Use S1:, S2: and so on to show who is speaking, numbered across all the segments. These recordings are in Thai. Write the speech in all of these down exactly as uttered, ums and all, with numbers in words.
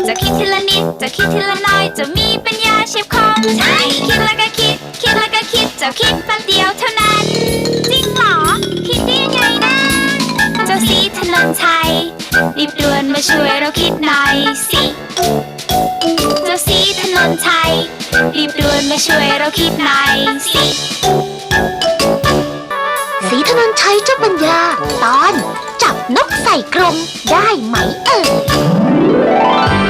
S1: จะคิดทีละนิดจะคิดทีละน้อยจะมีปัญญาเฉียบคมใช่คิดแล้วก็คิดคิดแล้วก็คิดจะคิดแป๊บเดียวเท่านั้นจริงเหรอคิดได้ยังไงนะเจ้าสีถนนชัยรีบด่วนมาช่วยเราคิดหน่อยสิเจ้าสีถนนชัยรีบด่วนมาช่วยเราคิดหน่อยสิ
S2: สีถนนชัยเจ้าปัญญาตอนจับนกใส่กรงได้ไหมเอ่ย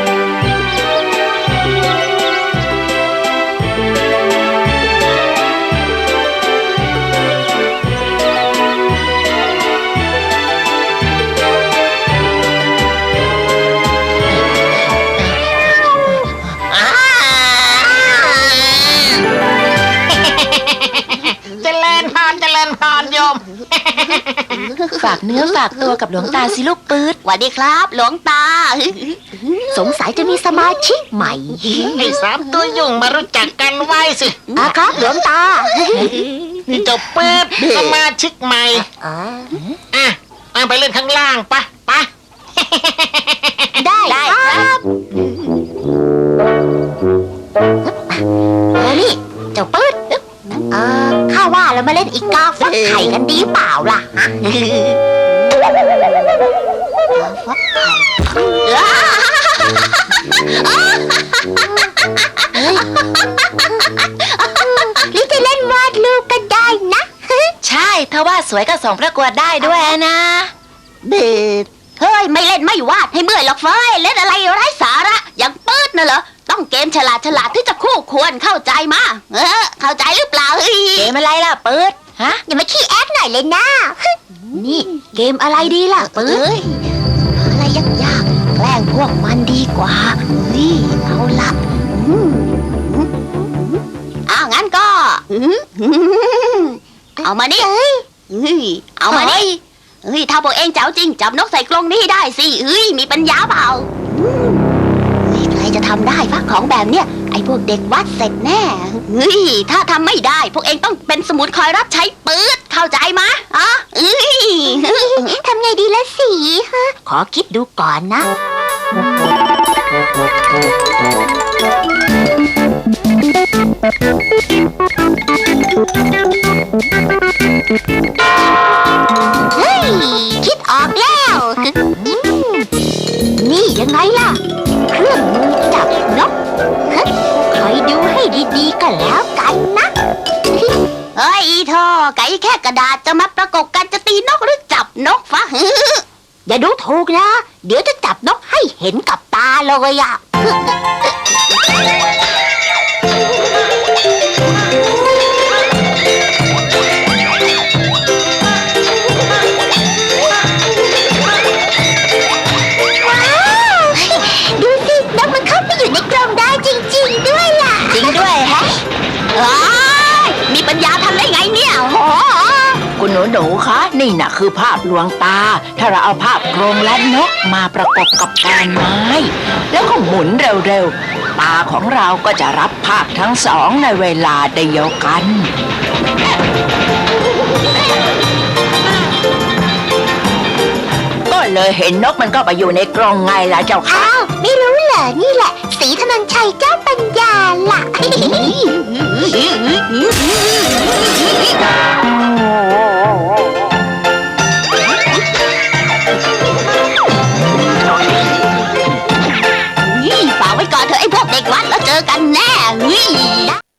S3: ฝากเนื้อฝากตัวกับหลวงตาสิลูกปื๊ด
S2: สวัสดีครับหลวงตาสงสัยจะมีสมาชิกใหม่
S4: ไอ้สามตัวยุ่งมารู้จักกันไว้สิ
S2: อ่ะครับหลวงตา
S4: นี่เจ้าปื๊ดสมาชิกใหม่อ่ะอ่ะไปเล่นข้างล่างปะปะ
S2: ได้ครับเออนี่เจ้าปื๊ดเออข้าว่าเรามาเล่นอีกาฟักไข่กันดีเปล่าล่ะฮะฟักไข่หรือจะเล่นวาดรูปก็ได้นะ
S3: ใช่ถ้าว่าสวยก็ส่งประกวดได้ด้วยนะ
S2: เบ็ดเฮ้ยไม่เล่นไม่วาดให้เมื่อยหรอกเฟ้ยเล่นอะไรไร้สาระอย่างปื๊ดน่ะเหรอต้องเกมฉลาดฉลาดที่จะคู่ควรเข้าใจมาเออเข้าใจหรือเปล่าเฮ้ย
S3: เกมอะไรล่ะปื๊ดฮะ
S2: อย่ามาขี้แอคหน่อยเลยนะนี่เกมอะไรดีล่ะปื๊ดอะไรยากๆแกล้งพวกมันดีกว่าเฮ้ยเอาละอ้าวงั้นก็เอามานี่เฮ้ยเอามานี่เฮ้ยถ้าพวกเองเจ้าจริงจับนกใส่กรงนี้ได้สิเฮ้ยมีปัญญาเปล่าเฮ้ยใครจะทำได้ฟักของแบบเนี้ยไอ้พวกเด็กวัดเสร็จแน่เฮ้ยถ้าทำไม่ได้พวกเองต้องเป็นสมุนคอยรับใช้ปื๊ดเข้าใจมะอ๋อเอ้ยทำไงดีละสิฮะขอคิดดูก่อนนะเฮ้ยคิดออกแล้วนี่ยังไงล่ะเครื่องมือจับนกคอยดูให้ดีๆก็แล้วกันนะเฮ้ยเธอไก่แค่กระดาษจะมาประกบกันจะตีนกหรือจับนกฟะอย่าดูถูกนะเดี๋ยวจะจับนกให้เห็นกับตาเลยอ่ะมีปัญญาทำได้ไงเนี่ยโอ้
S3: คุณหนูหนูคะนี่น่ะคือภาพลวงตาถ้าเราเอาภาพกรงและนกมาประกบกับกานไม้แล้วก็หมุนเร็วๆตาของเราก็จะรับภาพทั้งสองในเวลาเดียวกันก็เลยเห็นนกมันก็ไปอยู่ในกรงไงล่ะเจ้าค่ะ
S2: อ้าวไม่รู้เหรอนี่แหละสีถนนชัยเจ้าปัญญาล่ะฝากไว้ก่อนเถอะไอ้พวกเด็กวัดแล้วเจอกันแน่